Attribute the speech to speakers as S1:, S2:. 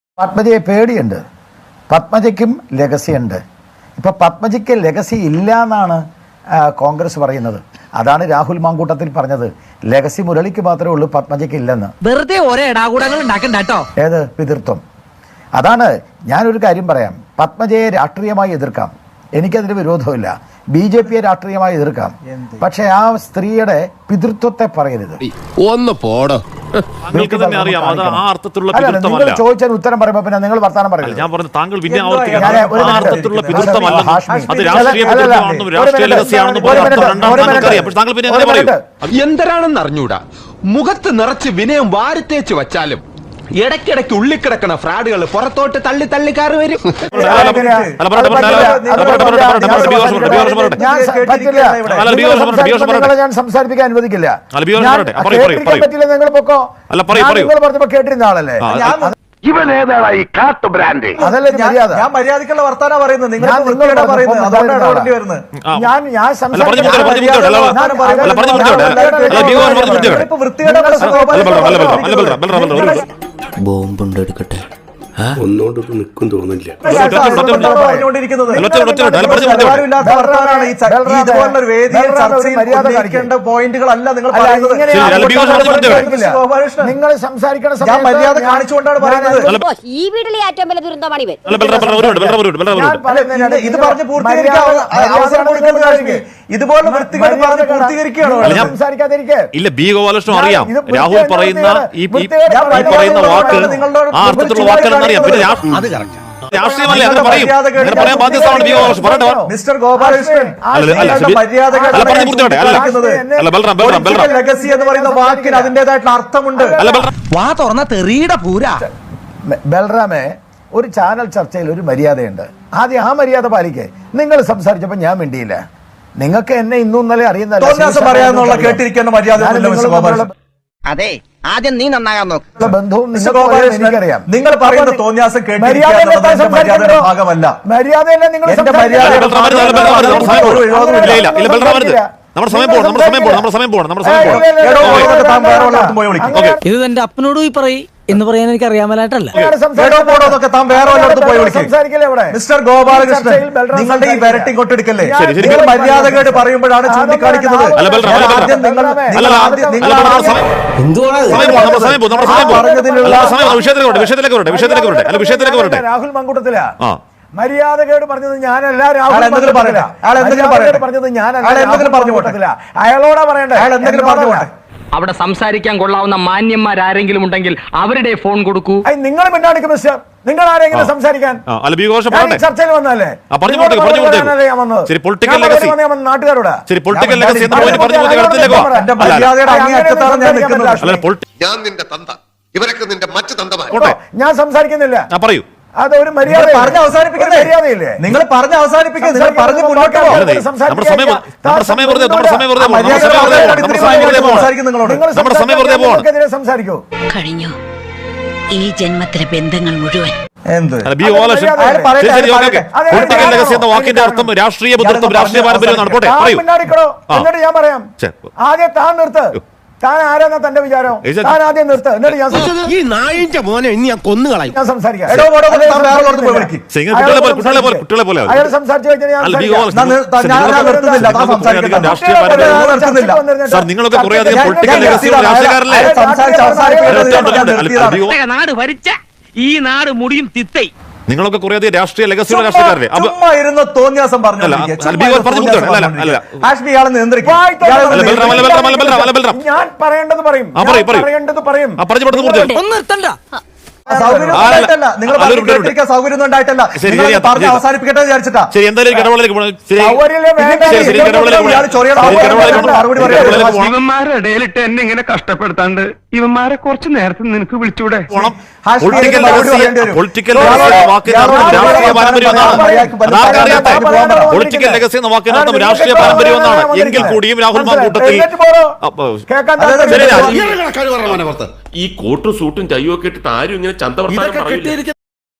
S1: പത്മജയെ പേടിയുണ്ട്. പത്മജയ്ക്കും ലെഗസി ഉണ്ട്. ഇപ്പൊ പത്മജയ്ക്ക് ലെഗസി ഇല്ല എന്നാണ് കോൺഗ്രസ് പറയുന്നത്. അതാണ് രാഹുൽ മാങ്കൂട്ടത്തിൽ പറഞ്ഞത്. ലെഗസി മുരളിക്ക് മാത്രമേ ഉള്ളൂ, പത്മജയ്ക്ക് ഇല്ലെന്ന്.
S2: വെറുതെ ഓരോ ഇടാകൂടങ്ങൾ ഉണ്ടാക്കണ്ടോ?
S1: ഏത് പിതൃത്വം? അതാണ്. ഞാനൊരു കാര്യം പറയാം. പത്മജയെ രാഷ്ട്രീയമായി എതിർക്കാം, എനിക്കതിന് വിരോധമില്ല. BJPയെ രാഷ്ട്രീയമായി എതിർക്കാം. പക്ഷെ ആ സ്ത്രീയുടെ പിതൃത്വത്തെ പറയരുത്.
S3: ഒന്ന് പോടോ.
S1: നിങ്ങൾ ചോദിച്ചതിന് ഉത്തരം പറയുമ്പോ പിന്നെ നിങ്ങൾ വർത്താനം പറയില്ല.
S4: ഞാൻ പറഞ്ഞു താങ്കൾ പിന്നെ ആവർത്തിക്കുന്ന
S3: എന്തരാണെന്ന് അറിഞ്ഞൂടാ. മുഖത്ത് നിറച്ച് വിനയം വാരിത്തേച്ച് വച്ചാലും ഇടയ്ക്കിടയ്ക്ക് ഉള്ളിക്കിടക്കണ ഫ്രാഡുകൾ പുറത്തോട്ട് തള്ളി തള്ളിക്കാറ് വരും.
S1: ഞാൻ സംസാരിപ്പിക്കാൻ അനുവദിക്കില്ല. നിങ്ങൾ പൊക്കോ. നിങ്ങൾ പറഞ്ഞപ്പോ കേട്ടിരുന്ന ആളല്ലേ.
S5: ഇവനേതായി കാട്ടു ബ്രാൻഡ്?
S1: അതല്ലേ മര്യാദ.
S6: ഞാൻ മര്യാദക്കുള്ള വർത്താനം പറയുന്നത്.
S1: ഞാൻ
S7: ബോംബുണ്ടെടുക്കട്ടെ.
S5: ഒന്നോട്ട് നിൽക്കും തോന്നില്ല.
S6: പോയിന്റുകളല്ല നിങ്ങൾ
S1: നിങ്ങൾ സംസാരിക്കണ
S6: മര്യാദ കാണിച്ചുകൊണ്ടാണ് പറയുന്നത്.
S8: ഈ വീട്ടിലെ ഏറ്റവും വലിയ ദുരന്തമാണ് ഇവൻ.
S6: ഇത് പറഞ്ഞ് പൂർത്തീകരിക്കാൻ അവസരം കൊടുക്കുന്ന കാര്യം ഇതുപോലെ വൃത്തികൾ പറഞ്ഞ് പൂർത്തീകരിക്കുകയാണ്.
S1: സംസാരിക്കാതിരിക്കെ
S4: ഇല്ല. ബി ഗോപാലകൃഷ്ണൻ അറിയാം രാഹുൽ പറയുന്ന ഈ പറയുന്ന വാക്ക് ആ അർത്ഥത്തിലുള്ള വാക്കുകളെന്ന് അറിയാം. പിന്നെ രാഷ്ട്രീയമല്ലേ അങ്ങനെ പറയും. അങ്ങനെ പറയാൻ ബാധ്യതയാണ് ബി ഗോപാലകൃഷ്ണൻ. പറയട്ടെ
S6: മിസ്റ്റർ ഗോപാലകൃഷ്ണൻ ലെഗസി എന്ന് പറയുന്ന വാക്കിന് അതിന്റേതായിട്ടുള്ള അർത്ഥമുണ്ട്.
S2: വാ തുറന്ന തെറിയുടെ പൂരാ.
S1: ബൽറാമേ, ഒരു ചാനൽ ചർച്ചയിൽ ഒരു മര്യാദയുണ്ട്. ആദ്യം ആ മര്യാദ പാലിക്കേ. നിങ്ങൾ സംസാരിച്ചപ്പോ ഞാൻ മിണ്ടിയില്ല. നിങ്ങൾക്ക് എന്നെ ഇന്നും ഇന്നലെ അറിയുന്ന
S6: പറയാനുള്ള കേട്ടിരിക്കേണ്ട മര്യാദ.
S2: അതെ, ആദ്യം നീ നന്നാകാൻ നോക്ക്.
S1: ബന്ധവും
S6: എനിക്കറിയാം. നിങ്ങൾ പറയുന്ന തോന്നിയാസം കേട്ടിരിക്കേണ്ടത് മര്യാദയുടെ ഭാഗമല്ല.
S1: മര്യാദയല്ല. നിങ്ങൾ
S2: ഇത് എന്റെ അപ്പനോട് പോയി പറയും എന്ന് പറയാൻ എനിക്ക് അറിയാമലായിട്ടല്ല.
S6: മിസ്റ്റർ ഗോപാലകൃഷ്ണൻ, നിങ്ങളുടെ ഈ വരട്ടി കൊട്ടെടുക്കല്ലേ നിങ്ങൾ മര്യാദകേട് പറയുമ്പോഴാണ് ചൂണ്ടിക്കാണിക്കുന്നത്.
S1: രാഹുൽ മങ്കൂട്ടത്തില മര്യാദകേട് പറഞ്ഞത് ഞാനല്ല. രാഹുൽ പറഞ്ഞത് ഞാനല്ല. അയാളോടാ പറയണ്ടേ.
S9: അവിടെ സംസാരിക്കാൻ കൊള്ളാവുന്ന മാന്യന്മാരാരെങ്കിലും ഉണ്ടെങ്കിൽ അവരുടെ ഫോൺ കൊടുക്കൂ.
S1: നിങ്ങൾ മിണ്ടാടിക്കും മിസ്റ്റർ. നിങ്ങൾ ആരെങ്കിലും സംസാരിക്കാൻ ചർച്ചയിൽ വന്നല്ലേ. നാട്ടുകാരോട് ഞാൻ സംസാരിക്കുന്നില്ല.
S4: പറയൂ.
S1: അതൊരു മര്യാദ.
S6: പറഞ്ഞ് അവസാനിപ്പിക്കുന്നത് മര്യാദയില്ലേ? നിങ്ങൾ പറഞ്ഞ് അവസാനിപ്പിക്കുക. നിങ്ങൾ പറഞ്ഞ് മുന്നോട്ട്
S1: സംസാരിക്കൂ.
S8: കഴിഞ്ഞു ഈ ജന്മത്തിലെ ബന്ധങ്ങൾ മുഴുവൻ.
S4: വാക്കിന്റെ അർത്ഥം രാഷ്ട്രീയ ബന്ധുത്വം, രാഷ്ട്രീയ പാരമ്പര്യം.
S1: എന്നിട്ട് ഞാൻ പറയാം. ആദ്യം താൻ നിർത്ത്. താൻ ആരാന്നാ തന്റെ വിചാരം? താൻ ആദ്യം നിർത്ത്. എന്നിട്ട്
S3: ഈ നായിന്റെ മോനെ ഇനി ഞാൻ കൊന്നുകളയും.
S1: ഞാൻ സംസാരിക്കാം.
S6: അയാൾ സംസാരിച്ചു
S4: നിങ്ങളൊക്കെ കുറെ അധികം പൊളിറ്റിക്കൽ രാഷ്ട്രീയക്കാരല്ലേ?
S9: നാട് ഭരിച്ച ഈ നാട് മുടിയും തിത്തൈ.
S4: നിങ്ങളൊക്കെ കുറെ അധികം രാഷ്ട്രീയ ലെഗസിയുള്ള രാഷ്ട്രീയക്കാരല്ലേ?
S6: തോന്നിയാസം പറഞ്ഞു.
S1: ഞാൻ പറയേണ്ടത് പറയും.
S6: സൗകര്യം ഉണ്ടായിട്ടല്ല. അവസാനിപ്പിക്കട്ടെ വിചാരിച്ചിട്ടാ.
S9: ഇവന്മാരുടെ ഇടയിലിട്ട് എന്നെ ഇങ്ങനെ കഷ്ടപ്പെടുത്താണ്ട് ഇവന്മാരെ കുറച്ച് നേരത്തെ നിനക്ക് വിളിച്ചൂടെ?
S4: പൊളിറ്റിക്കൽ ലെഗസി എന്ന വാക്കിനർത്ഥം രാഷ്ട്രീയ പാരമ്പര്യം എന്നാണ്. എങ്കിൽ കൂടിയും രാഹുൽ മാങ്കൂട്ടത്തിൽ
S5: ഈ കോട്ടും സൂട്ടും ചയ്യൊക്കെ ഇട്ടിട്ട് ആരും ഇങ്ങനെ ചന്തവർത്താനം പറയില്ല.